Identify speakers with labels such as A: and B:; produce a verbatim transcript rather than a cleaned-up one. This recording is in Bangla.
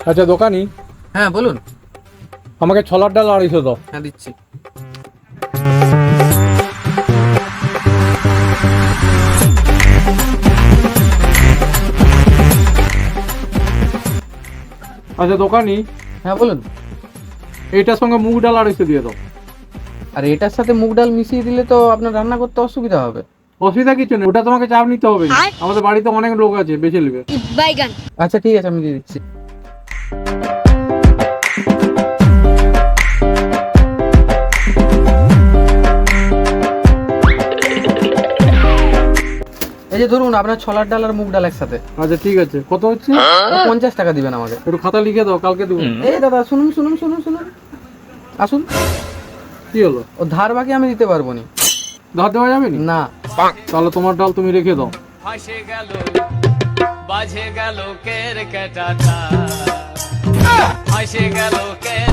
A: আচ্ছা দোকানি,
B: হ্যাঁ বলুন।
A: আমাকে ছোলার ডাল আড়াইশো দাও।
B: হ্যাঁ দিচ্ছি।
A: আচ্ছা দোকানি,
B: হ্যাঁ বলুন।
A: এইটার সঙ্গে মুগ ডাল আড়াইশো দিয়ে দাও।
B: আর এটার সাথে মুগ ডাল মিশিয়ে দিলে তো আপনার রান্না করতে অসুবিধা হবে।
A: অসুবিধা কিছু নেই, ওটা তোমাকে চাপ নিতে হবে না। আমাদের বাড়িতে অনেক লোক আছে, বেছে নেবে।
B: আচ্ছা ঠিক আছে, আমি দিয়ে দিচ্ছি। এই যে ধরুন আপনার ছোলার ডাল আর মুগ ডাল একসাথে।
A: আচ্ছা ঠিক আছে, কত হচ্ছে?
B: পঞ্চাশ টাকা দিবেন আমাকে।
A: একটু খাতা লিখে দাও, কালকে দেবো।
B: এই দাদা শুনুন শুনুন শুনুন শুনুন, আসুন।
A: কি হলো?
B: ও ধার বাকি আমি দিতে পারবো না।
A: ধার দেওয়া যাবে না?
B: না।
A: তাহলে তোমার ডাল তুমি রেখে দাও।
C: ফাঁসে গেল বাজে গেল কের কেটাটা, ফাঁসে গেল কের